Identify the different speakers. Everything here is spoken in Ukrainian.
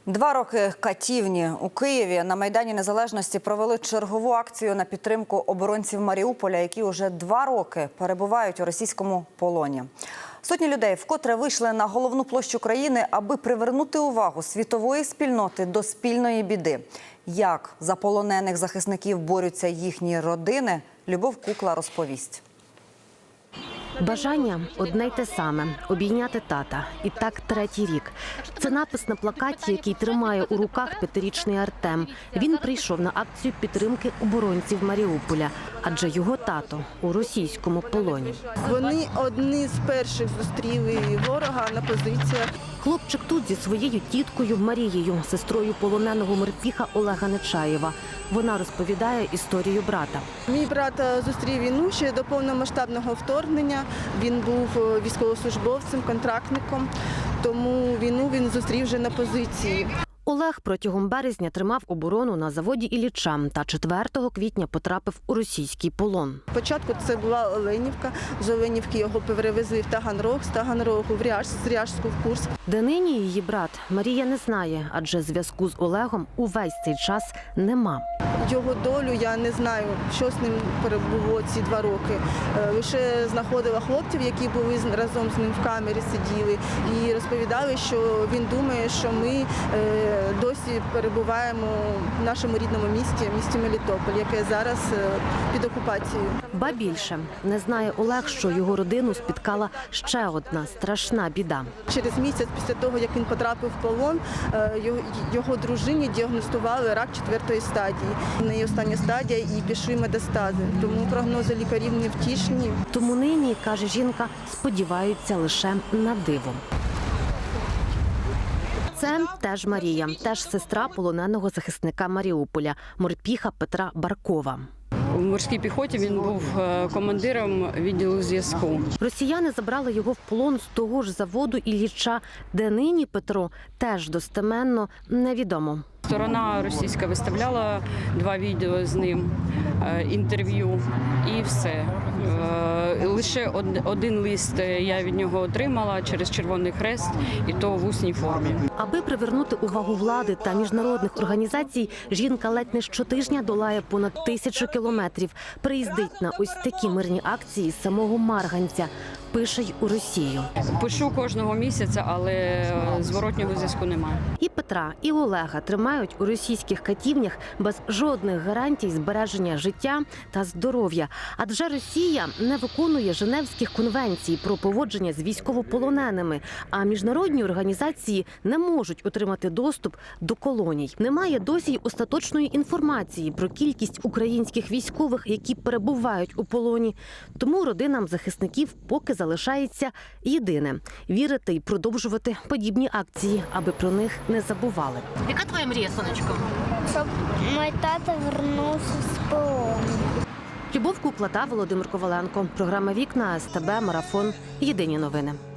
Speaker 1: 2 роки катівні. У Києві на Майдані Незалежності провели чергову акцію на підтримку оборонців Маріуполя, які уже 2 роки перебувають у російському полоні. Сотні людей вкотре вийшли на головну площу країни, аби привернути увагу світової спільноти до спільної біди. Як за полонених захисників борються їхні родини, Любов Кукла розповість.
Speaker 2: Бажання одне й те саме – обійняти тата. І так 3-й рік. Це напис на плакаті, який тримає у руках 5-річний Артем. Він прийшов на акцію підтримки оборонців Маріуполя, адже його тато у російському полоні.
Speaker 3: Вони одні з перших зустріли ворога на позиціях.
Speaker 2: Хлопчик тут зі своєю тіткою Марією, сестрою полоненого морпіха Олега Нечаєва. Вона розповідає історію брата.
Speaker 3: Мій брат зустрів війну ще до повномасштабного вторгнення. Він був військовослужбовцем, контрактником, тому війну він зустрів вже на позиції.
Speaker 2: Олег протягом березня тримав оборону на заводі Ілліча та 4 квітня потрапив у російський полон.
Speaker 3: Спочатку це була Оленівка, з Оленівки його перевезли в Таганрог, з Таганрогу в Ряжськ, з Ряжську в Курськ.
Speaker 2: Де нині її брат, Марія не знає, адже зв'язку з Олегом увесь цей час нема.
Speaker 3: Його долю я не знаю, що з ним перебуло ці 2 роки. Лише знаходила хлопців, які були разом з ним в камері, сиділи і розповідали, що він думає, що ми досі перебуваємо в нашому рідному місті Мелітополь, яке зараз під окупацією.
Speaker 2: Ба більше, не знає Олег, що його родину спіткала ще одна страшна біда.
Speaker 3: Через місяць після того, як він потрапив в полон, його дружині діагностували рак 4-ї стадії. В неї остання стадія і пішли метастази, тому прогнози лікарів невтішні.
Speaker 2: Тому нині, каже жінка, сподіваються лише на диво. Це теж Марія, теж сестра полоненого захисника Маріуполя, морпіха Петра Баркова.
Speaker 4: У морській піхоті він був командиром відділу зв'язку.
Speaker 2: Росіяни забрали його в полон з того ж заводу Ілліча, де нині Петро теж достеменно невідомо.
Speaker 4: Сторона російська виставляла 2 відео з ним, інтерв'ю і все. Лише один лист я від нього отримала через Червоний Хрест, і то в усній формі.
Speaker 2: Аби привернути увагу влади та міжнародних організацій, жінка ледь не щотижня долає понад 1000 кілометрів. Приїздить на ось такі мирні акції з самого Марганця. Пише й у Росію.
Speaker 4: Пишу кожного місяця, але зворотнього зв'язку немає.
Speaker 2: І Петра, і Олега тримають у російських катівнях без жодних гарантій збереження життя та здоров'я. Адже Росія не виконує Женевських конвенцій про поводження з військовополоненими, а міжнародні організації не можуть отримати доступ до колоній. Немає досі й остаточної інформації про кількість українських військових, які перебувають у полоні. Тому родинам захисників поки залишається єдине – вірити і продовжувати подібні акції, аби про них не забували.
Speaker 5: Яка твоя мрія, сонечко?
Speaker 6: Щоб мій тато повернувся з полону.
Speaker 2: Любов Кукла та Володимир Коваленко. Програма «Вікна», СТБ, Марафон. Єдині новини.